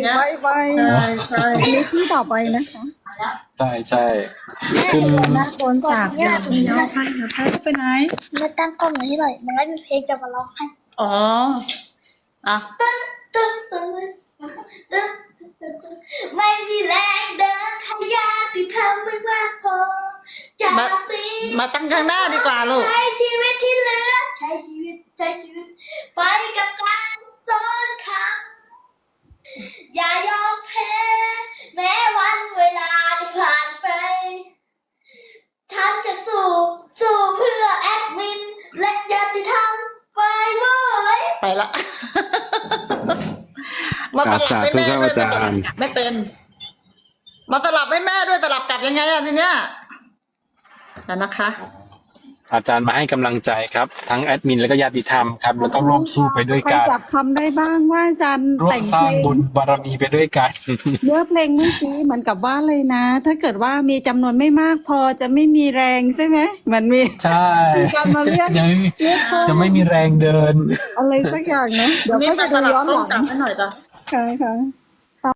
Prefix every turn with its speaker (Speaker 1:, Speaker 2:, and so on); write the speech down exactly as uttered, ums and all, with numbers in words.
Speaker 1: งี้ย
Speaker 2: ไปไป
Speaker 1: ใช่ใช่
Speaker 2: อันนี้ที่ต่อไปนะคะ
Speaker 3: ใช่ใช่
Speaker 2: แม่
Speaker 3: ขึ้น
Speaker 2: หน้าโกนสาก
Speaker 4: เนี่ย
Speaker 2: เดี๋ยวให้นะให้ไปไหน
Speaker 4: มาตั้งกล้องหน่อยให้หน่อยมันไม่มีเพลงจะมาร้องให้
Speaker 1: อ๋ออ่ะ
Speaker 4: ตึ้งตึ้งตึ้งตึ้งตึ้งตึ้งไม่มีแรงเดินขยะที่ทำไม่มากพอจาก
Speaker 1: มา
Speaker 4: ตี
Speaker 1: มาตั้งข้างหน้าดีกว่าลูก
Speaker 4: ใช้ชีวิตที่เหลือใช้ชีวิตใช้ชีวิตไปกับการซ้อนคำอย่ายอมแพ้แม้วันเวลาจะผ่านไป ฉันจะสู้สู้เพื่อแอดมิน และญาติธรรมไปเมื่อย
Speaker 1: ไปละ มาตลับให้แม่ด้วย
Speaker 3: อาจารย์
Speaker 1: ไม่เป็น มาตลับให้แม่ด้วยตลับกลับยังไงอะทีเนี้ยแล้วนะคะ
Speaker 3: อาจารย์มาให้กำลังใจครับ ทั้งแอดมินแล้วก็ญาติธรรมครับ แล้วก็ร่วมสู้ไปด้วย
Speaker 2: ใคร
Speaker 3: กัน
Speaker 2: จับคำได้บ้างว่าอาจารย์
Speaker 3: ร่ว
Speaker 2: แต่
Speaker 3: ม
Speaker 2: ง
Speaker 3: สร้า
Speaker 2: เพ
Speaker 3: ง
Speaker 2: ลง
Speaker 3: บุญบารมีไปด้วยกัน
Speaker 2: เนื้อเพลงเมื่อกี้เหมือนกับว่าเลยนะ ถ้าเกิดว่ามีจำนวนไม่มากพอจะไม่มีแรงใช่ไหมเหมือนมี
Speaker 3: ใช่
Speaker 2: มีการมาเรียก
Speaker 3: จะไม่มี
Speaker 2: เรียกเพิ่ม
Speaker 3: จะไม่มีแรงเดิน
Speaker 2: อะไรสักอย่างนะเดี๋ยว
Speaker 1: นี่
Speaker 2: ก็
Speaker 1: มา
Speaker 2: จะ
Speaker 1: ต
Speaker 2: ดู
Speaker 1: ลับ
Speaker 2: ย้อน
Speaker 1: ต้
Speaker 2: ห
Speaker 1: อง
Speaker 2: ลัง
Speaker 1: กลับให้หน่อยจ้ะ
Speaker 2: ค่ะค่ะ